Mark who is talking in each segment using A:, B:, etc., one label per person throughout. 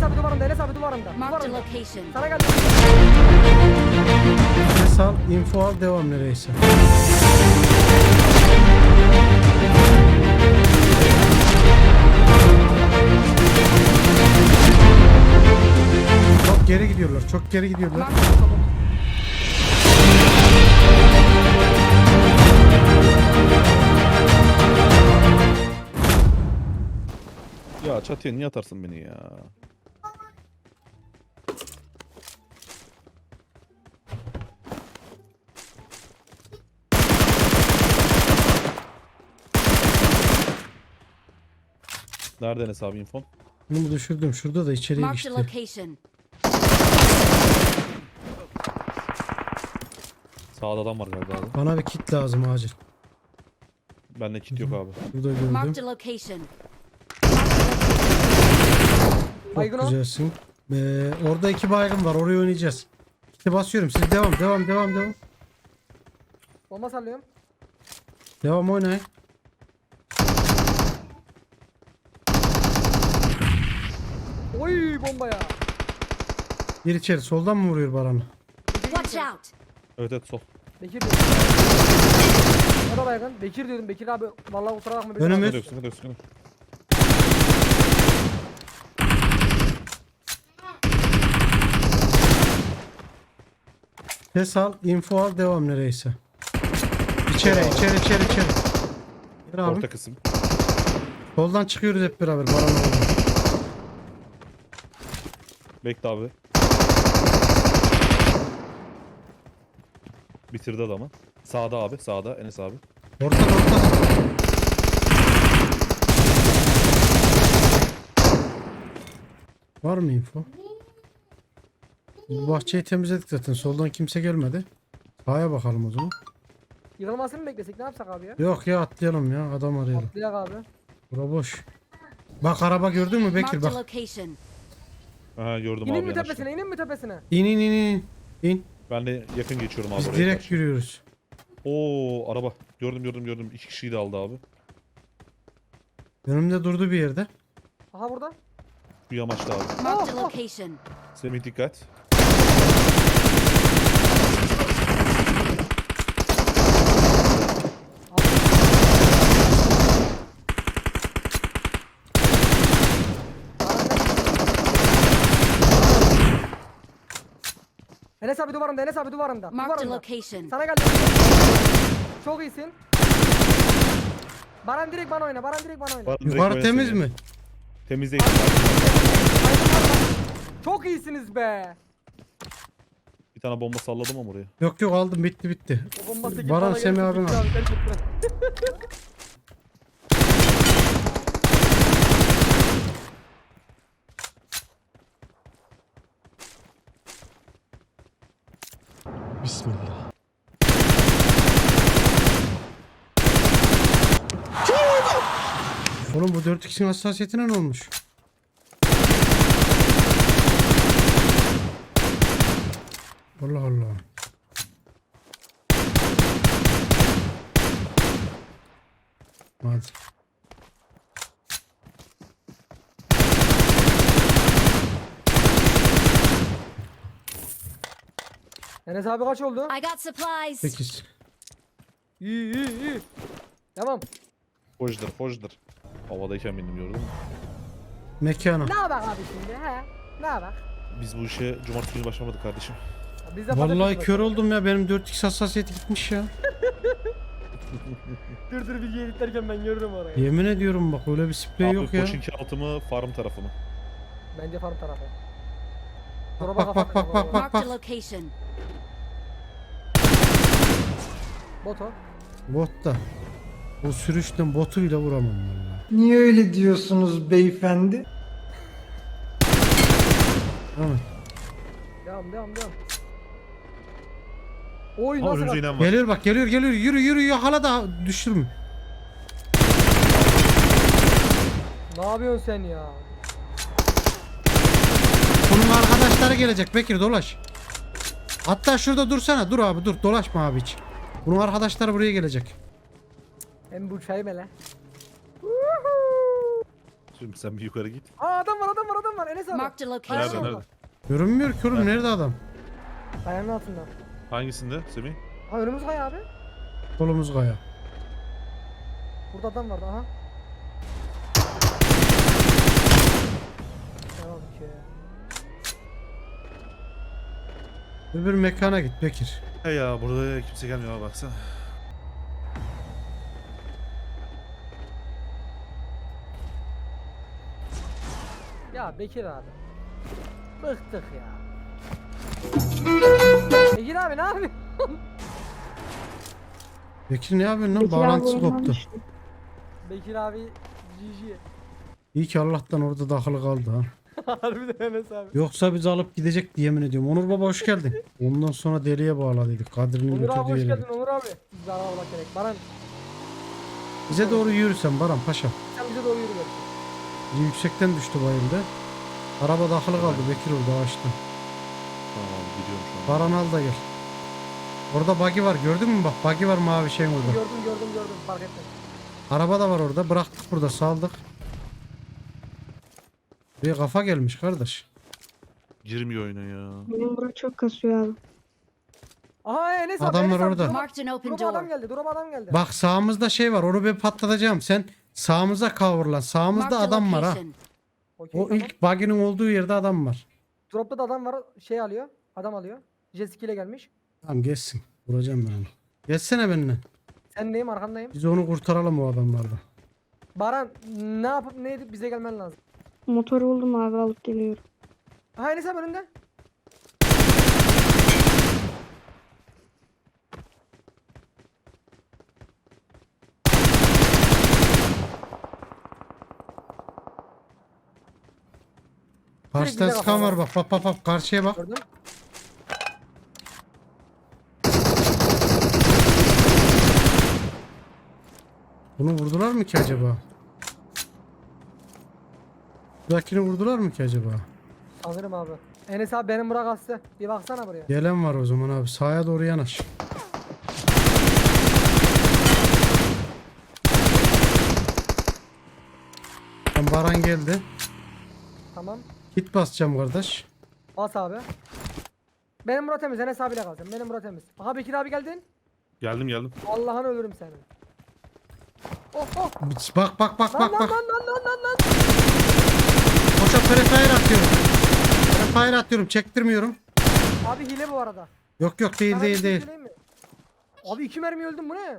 A: abi duvarında, Enes abi duvarında.
B: Marked a
A: Duvarında.
B: location.
A: Sana geldi.
C: Ses al, info al, devam nereyse. Çok geri gidiyorlar, çok geri gidiyorlar.
B: Marked a location.
D: Ya çatıya niye atarsın beni ya? Nerede Enes abi infon?
C: Bunu düşürdüm, şurada da içeriye
B: Marked a
C: geçti.
B: location.
D: Sağda adam var galiba abi.
C: Bana bir kit lazım acil.
D: Bende kit yok abi.
C: Burada
B: Marked
C: gördüm.
B: a location.
A: Baygın
C: Çok
A: o.
C: güzelsin. Orada 2 baygın var, oraya oynayacağız. İşte basıyorum, siz devam.
A: Bomba sallıyorum.
C: Devam oynayın.
A: Oy bomba ya.
C: Gir içeri, soldan mı vuruyor Baran'ı?
B: Watch out.
D: Evet evet sol.
A: Bekir diyor. O da baygın. Bekir diyordum. Bekir abi vallahi kusura bakma.
C: Önümüz.
D: Sıkıntı yok, sıkıntı yok, sıkıntı yok.
C: Ses al, info al, devam nereyse. İçeri. Gir abi.
D: Orta kısım.
C: Soldan çıkıyoruz hep beraber Baran'la oradan.
D: Bekle abi. Bitirdi adamı. Sağda abi, sağda Enes abi.
C: Ortada. Var mı info? Bu bahçeyi temizledik zaten. Soldan kimse gelmedi. Sağa bakalım o zaman.
A: Yıkılmasını mı beklesek? Ne yapsak abi ya?
C: Yok ya, atlayalım ya. Adam arayalım.
A: Atlayak abi.
C: Bura boş. Bak araba gördün mü Bekir,
B: Marked a
C: bak.
B: location.
D: Aha gördüm
A: İnin
D: abi
A: mi
D: yanaştı.
A: tepesine? İnin mi tepesine?
C: İn.
D: Ben de yakın geçiyorum abi
C: Biz
D: oraya
C: direkt
D: karşı.
C: yürüyoruz.
D: Oo araba. Gördüm. 2 kişiyi de aldı abi.
C: Önümde durdu bir yerde.
A: Aha burada.
D: Bu yamaçta abi.
B: Marked a
A: Oh, oh.
B: location.
D: Semih dikkat.
A: Enes abi duvarında, Enes abi duvarında.
B: Marked a
A: Duvarında.
B: location.
A: Sana geldi. Çok iyisin. Baran direkt bana oyna.
D: Baran direkt
C: Yukarı
D: oynasın
C: temiz
D: ya.
C: mi?
D: Temiz değil.
A: Çok iyisiniz be.
D: Bir tane bomba salladım ama oraya.
C: Yok aldım, bitti.
A: O bombası gibi
C: Baran
A: bana
C: Semih
A: gelirse
C: abin
A: bitti
C: al.
A: abi, gerçekten.
C: Bismillah. Oğlum bu 4x'in hassasiyetine ne olmuş? Allah Allah. Hadi.
A: Enes abi kaç oldu?
B: I got supplies.
C: 8.
A: İyi. Tamam.
D: Fojdur. Havadayken bindim gördün mü?
C: Mekana.
A: Ne yapak abi şimdi he? Ne yapak?
D: Biz bu işe cumartesi günü başlamadık kardeşim.
A: Biz de
C: Vallahi
A: patates
C: kör
A: bakalım.
C: oldum ya, benim 4x hassasiyeti gitmiş ya.
A: Dur bilgi editlerken ben görürüm orayı.
C: Yemin ediyorum bak, öyle bir sprey
D: Abi
C: yok ya.
D: Koçinki altı mı farm tarafı mı?
A: Bence farm tarafı.
C: Bak.
B: Marked a location.
A: Boto.
C: Bot da. O sürüşten botu bile vuramam vallahi.
E: Niye öyle diyorsunuz beyefendi?
C: Tamam.
A: Devam. Oy
D: Ha
A: nasıl
D: önümüze
A: kaç-
D: inen var.
C: Geliyor bak, geliyor. Yürü yakala da düşürme.
A: Ne yapıyorsun sen ya?
C: Bunun arkadaşları gelecek Bekir, dolaş. Hatta şurada dursana, dur abi dur, dolaşma abi hiç. Bunun arkadaşları buraya gelecek.
A: Hem bu çay mele.
D: Şimdi sen bir yukarı git.
A: Aa adam var. Enes abi.
B: Marked a
D: Nerede
B: location.
D: nerede?
C: Görünmüyor ki oğlum. Nerede adam?
A: Kayanın altında.
D: Hangisinde Semih?
A: Ha önümüz kaya abi.
C: Solumuz kaya.
A: Burada adam vardı aha. Devam ki.
C: Öbür mekana git Bekir.
D: He ya burada kimse gelmiyor abi baksana.
A: Ya Bekir abi. Bıktık ya. Bekir abi ne yapıyorsun?
C: Bekir ne yapıyorsun lan? Bağlantısı koptu.
A: Bekir abi GG.
C: İyi ki Allah'tan orada takılı kaldı ha.
A: Harbiden Enes abi.
C: Yoksa bizi alıp gidecekti yemin ediyorum. Onur baba hoş geldin. Ondan sonra deliye bağladıydık. Kadir'in
A: Onur abi hoş
C: götürdüğü yere.
A: geldin Onur abi. Biz araba gerek. Baran
C: Bize doğru yürüsen Baran Paşa.
A: sen bize doğru yürü gel.
C: Biri yüksekten düştü bayıldı. Araba takılı kaldı Bekir orada ağaçta.
D: Tamam abi gidiyorum şu an.
C: Baran al da gel. Orada buggy var gördün mü bak buggy var mavi şeyin orada.
A: Gördüm fark ettim.
C: Araba da var orada bıraktık burada saldık. Bir kafa gelmiş kardeş.
D: Girmiyor oyuna ya.
F: Benim bura çok kasıyor abi.
A: Aha Enes abi.
C: Adamlar
A: Enes abi,
C: orada.
B: Marked an open
A: Duruma adam
B: door.
A: geldi. Duruma adam geldi.
C: Bak sağımızda şey var onu bir patlatacağım. Sen sağımıza kavrulan. Sağımızda
B: Marked a
C: adam var ha.
B: location.
A: Okey,
C: O
A: tamam.
C: ilk buggy'nin olduğu yerde adam var.
A: Dropta da adam var. Şey alıyor. Adam alıyor. Jet ile gelmiş.
C: Tamam geçsin. Vuracağım ben onu. Geçsene benimle.
A: Sen neyim arkandayım.
C: Biz onu kurtaralım o adamlardan.
A: Baran ne yapıp ne edip bize gelmen lazım.
F: Motoru buldum abi alıp geliyorum.
A: Aha Enes abi önünde.
C: Karşıdan
A: bize
C: sıkan
A: bak.
C: var bak. Karşıya bak.
A: Gördün.
C: Bunu vurdular mı ki acaba? Buradakini vurdular mı ki acaba?
A: Sanırım abi. Enes abi benim bırak hasta. Bir baksana buraya.
C: Gelen var o zaman abi. Sağa doğru yanaş. Tamam, Baran geldi.
A: Tamam.
C: Git basacağım kardeş.
A: Bas abi. Benim bura temiz. Enes abiyle kalacağım. Benim bura temiz. Aha Bekir abi geldin.
D: Geldim.
A: Allah'ını ölürüm seni. Oh oh.
C: Bak
A: Lan.
C: Koşa prefire atıyorum. Prefire atıyorum. Çektirmiyorum.
A: Abi hile bu arada.
C: Yok değil
A: Sana bir şey
C: değil.
A: söyleyeyim mi? Abi 2 mermi öldüm bu ne?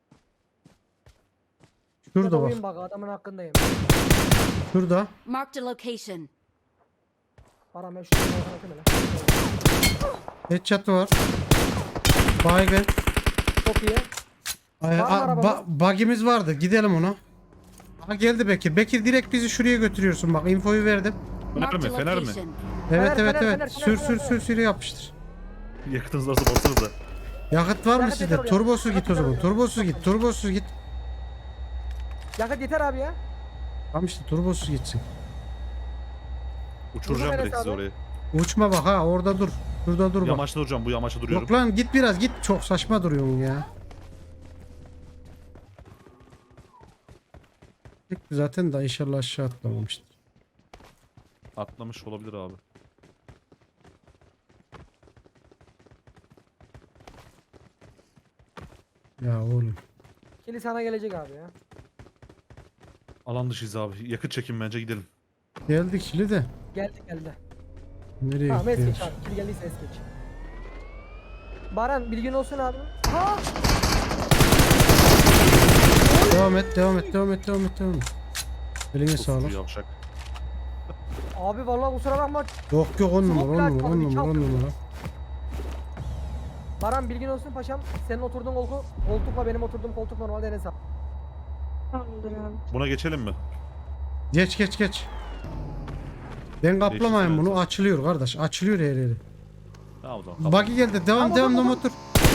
C: Şurada
A: Ya da
C: bak.
A: oyun bak adamın hakkındayım.
C: Şurada.
B: Marked a location.
A: Baran ben şunu atayım hele.
C: Headshot var. Baygın.
A: Çok iyi.
C: Ay,
A: Var mı arabamız?
C: bug'imiz vardı. Gidelim ona. Ha geldi Bekir. Bekir direkt bizi şuraya götürüyorsun. Bak infoyu verdim.
B: Marked a
D: Fener mi?
B: location.
C: Evet
A: Fener.
C: Sür yapıştır.
D: Yakıtınız varsa basarız da.
C: Yakıt var mı
A: Yakıt
C: sizde?
A: yeter oraya.
C: Turbosuz git o
A: Yakıt
C: zaman.
A: yeter
C: Turbosuz git.
A: Yakıt yeter abi ya.
C: Tamam işte turbosuz gitsin.
D: Uçuracağım
A: Enes
D: direkt sizi
A: abi.
D: oraya.
C: Uçma bak ha orada dur. Şurada dur bak.
D: Yamaçta duracağım bu yamaçta duruyorum.
C: Yok lan git biraz git. Çok saçma duruyorsun ya. Zaten da inşallah aşağı atlamamıştır.
D: Atlamış olabilir abi.
C: Ya oğlum.
A: Kili sana gelecek abi ya.
D: Alan dışıyız abi. Yakıt çekin bence gidelim.
C: Geldi kili de.
A: Geldi.
C: Nereye
A: Tamam es
C: gitti?
A: geç abi. Kili geldiyse es geç. Baran bilgin olsun abi. Ha!
C: Devam et. Eline
D: Of,
C: sağlık.
D: yavşak.
A: Abi vallahi kusura bakma.
C: Yok 10 numara.
A: Smoke Baran bilgin olsun paşam. Senin oturduğun koltukla benim oturduğum koltuk normalde Enes abi.
F: Tamamdır abi.
D: Buna geçelim mi?
C: Geç. Ben kaplamayayım
D: Geçti,
C: bunu.
D: evet.
C: Açılıyor kardeş. Açılıyor her yeri.
D: Tamam o zaman.
C: Buggy geldi. Devam motor.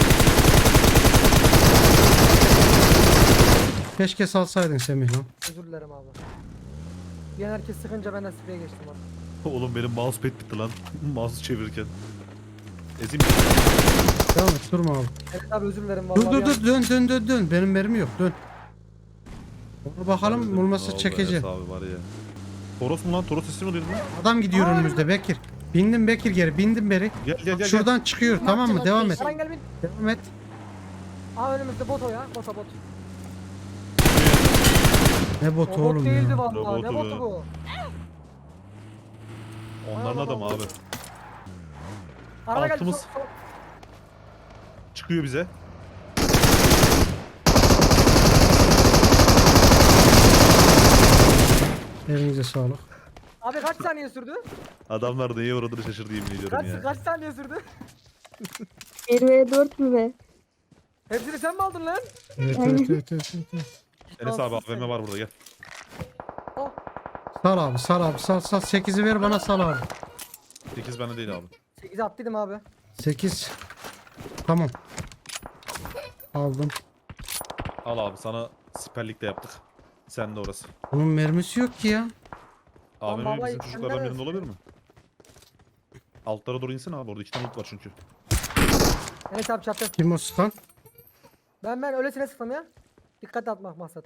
C: Keşke salsaydın Semih lan.
A: Özür dilerim abi. Bir an herkes sıkınca ben de spreye geçtim abi.
D: Oğlum benim mousepad bitti lan. Mouse'u çevirirken. Ezeyim.
C: Devam et durma abi.
A: Evet abi özür dilerim vallahi.
C: Dön. Benim mermi yok dön. Ona bakalım olmazsa
D: Ne oldu
C: çekeceğim.
D: Enes abi var ya. Toros mu lan? Toros sesi mi duydun lan?
C: Adam gidiyor
A: Aa,
C: önümüzde Bekir. Bindim Bekir geri. Bindim beri.
D: Gel gel gel.
C: Şuradan çıkıyor tamam mı? Devam et.
A: Eren gel bin.
C: Devam et.
A: Aa önümüzde bot o ya. Bota bot.
C: Ne
A: O
C: botu
A: bot
C: oğlum
A: değildi
C: ya.
A: vallahi. Ne
D: Robotu
A: botu
D: be.
A: bu?
D: Onların
A: Ay,
D: adamı
A: Allah.
D: abi.
A: Araba geldi.
D: Altımız. Çıkıyor bize.
C: Elinize sağlık.
A: Abi kaç saniye sürdü?
D: Adamlar neye uğradığını şaşırdı yemin ediyorum ya.
A: Kaç saniye sürdü?
F: 1v4 mü be?
A: Hepsini sen mi aldın lan?
C: Evet.
D: Enes abi AVM var burada gel.
A: Oh.
C: Sal abi sal abi sal 8'i ver bana sal abi.
D: 8 bende değil abi.
A: 8'e attıydım abi.
C: 8. Tamam. Aldım.
D: Al abi sana siperlik de yaptık. Sen de orası.
C: Bunun mermisi yok ki ya.
D: AVM
A: baba,
D: bizim
A: sen
D: çocuklardan
A: neresi?
D: birinde olabilir mi? Altlara doğru insin abi orada 2 tane loot var çünkü.
A: Enes abi çattı.
C: Kim o sıkan?
A: Ben öylesine sıktım ya. Dikkat atmak maksat.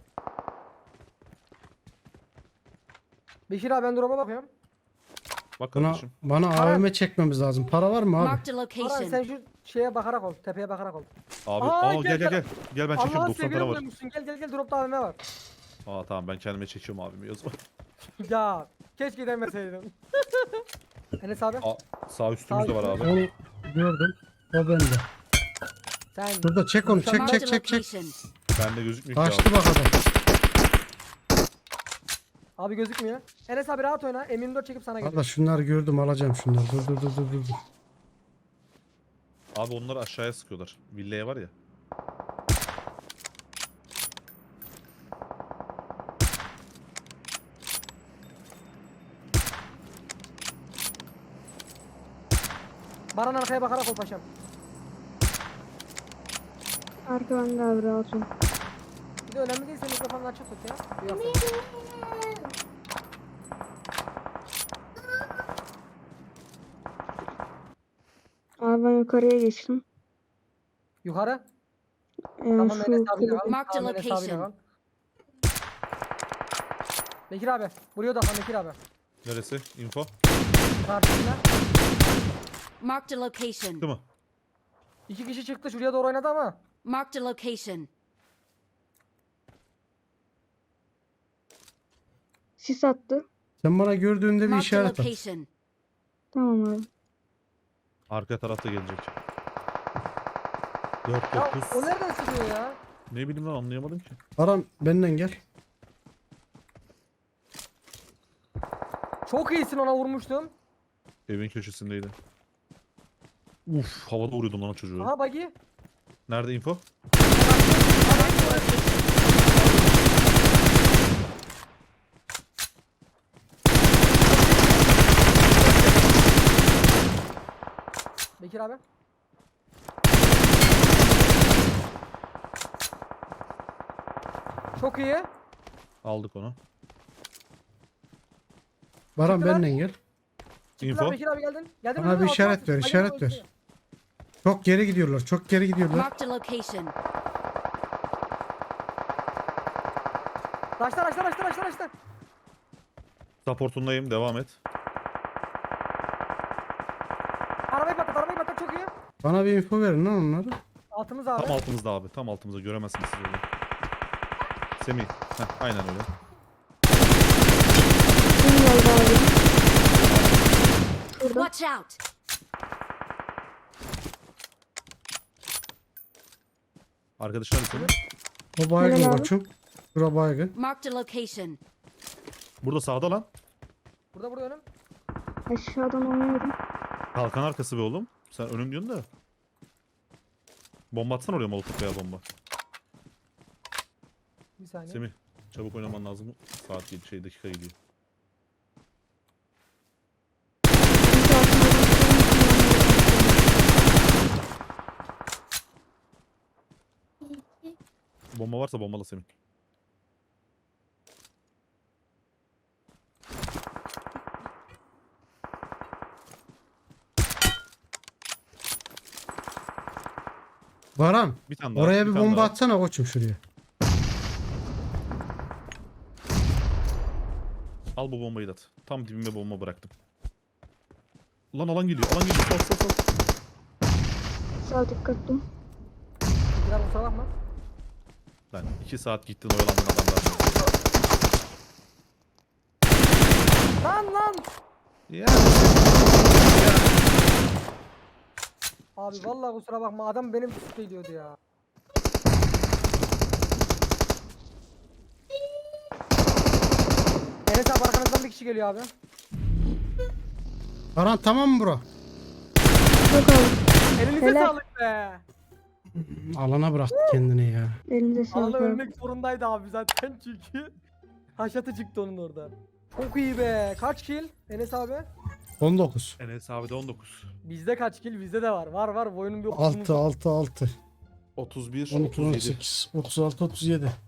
A: Beşir abi ben drop'a bakıyorum.
D: Bak
C: Bana,
D: kardeşim.
C: bana AVM çekmemiz lazım. Para var mı abi?
B: Marked a
A: Aran
B: location.
A: sen şu şeye bakarak ol. Tepeye bakarak ol.
D: Abi
A: Aa,
D: gel gel gel. Gel ben çekiyorum
A: Allah'ın
D: 90
A: sevgili
D: para var.
A: buluyormuşsun. Gel dropta AVM var.
D: Aa tamam ben kendime çekiyorum abimi yazma.
A: Ya keşke demeseydin. Enes abi
D: Aa, sağ üstümüzde var abi.
C: Onu gördüm. O bende.
A: sen
C: Burada çek onu çek
B: Marked
C: çek
B: a
C: çek çek.
B: location.
D: Bende gözükmüyor ki
C: Kaçtı
D: abi.
C: bak adam.
A: abi gözükmüyor. Enes abi rahat oyna. M24 çekip sana
C: Valla
A: geliyor.
C: şunları gördüm alacağım şunları. Dur.
D: Abi onları aşağıya sıkıyorlar. Villaya var ya.
A: Baran arkaya bakarak ol paşam.
F: Arka bende abi rahat ol.
A: Bir de önemli değilse mikrofonunu açık tut ya. Duyarsan.
F: Abi ben yukarıya geçtim.
A: Yukarı.
F: Yani
A: Tamam
F: şu
A: Enes abiyle
F: kulübe.
A: kal.
B: Mark the
A: Tamam, Enes abiyle
B: location.
A: kal. Bekir abi. Buraya odaklan Bekir abi.
D: Neresi? Info.
A: Karşısına.
B: Marked a location.
D: Çıktı mı?
A: 2 kişi çıktı şuraya doğru oynadı ama.
B: Marked a location.
F: Sis attı.
C: Sen bana gördüğünde bir
B: Marked a
C: işaret at.
B: location.
F: Tamam abi.
D: Arka tarafta gelecek. 4
A: Ya
D: 9.
A: o nereden çıkıyor ya?
D: Ne bileyim lan anlayamadım ki.
C: Aram benden gel.
A: Çok iyisin ona vurmuştum.
D: Evin köşesindeydi. Uf havada vuruyordum lan o çocuğu.
A: Aha buggy.
D: Nerede info?
A: Bekir abi. Çok iyi.
D: Aldık onu.
C: Baran
A: Çıktılar.
C: benden gel.
D: Info.
A: Bekir abi geldin. Geldin
C: Bana
A: mi?
C: bir
A: Altına
C: işaret
A: at.
C: ver,
A: Buggy'nin
C: işaret ver.
A: üstüne.
C: Çok geri gidiyorlar. Çok geri gidiyorlar.
B: Marked a location.
A: Raşla.
D: Supportundayım devam et.
A: Arabayı patlat çok iyi.
C: Bana bir info verin lan onları.
A: Altımız abi.
D: Tam altımızda abi. Tam altımızda göremezsiniz siz öyle. Semih. Heh, aynen öyle.
F: Kim geldi abi? Şurada.
B: Watch out.
D: Arkadaşlar senin.
C: O baygın
F: Helal abi.
C: koçum. Şura baygın.
B: Marked a location.
D: Burada sağda lan.
A: Burada önüm.
F: Aşağıdan oynuyorum.
D: Kalkan arkası be oğlum. Sen önüm diyorsun da. Bomba atsana oraya molotof veya bomba.
A: Bir saniye.
D: Semih çabuk oynaman lazım. Saat dakika gidiyor.
F: Sis atmadan
D: Bomba varsa bombala Semih.
C: Baran.
D: Bir tane daha.
C: Oraya bir
D: tane
C: bomba
D: daha.
C: atsana koçum şuraya.
D: Al bu bombayı da at. Tam dibime bomba bıraktım. Lan alan geliyor. Alan geliyor. Sal sal sal.
F: Sağ dikkatli.
A: Bekir abi kusura bakma.
D: Lan 2 saat gittin oyalandın adamlar.
A: Lan.
D: Ya.
A: Abi vallahi kusura bakma adam benim şey diyordu ya. Enes abi arkanızdan bir kişi geliyor abi.
C: Baran tamam mı bro?
F: Yok abi.
A: Elinize
F: Helal.
A: sağlık be.
C: Alana bıraktı kendini ya.
F: Elinize sağlık
A: Allah
F: abi.
A: ölmek zorundaydı abi zaten çünkü. Haşatı çıktı onun orada. Çok iyi be. Kaç kill Enes abi?
C: 19.
D: Enes abi de 19.
A: Bizde kaç kill? Bizde de var. Var. Bu oyunun bir
C: 6 6 6.
D: 31.
C: 12
D: 37.
C: 18 36 37.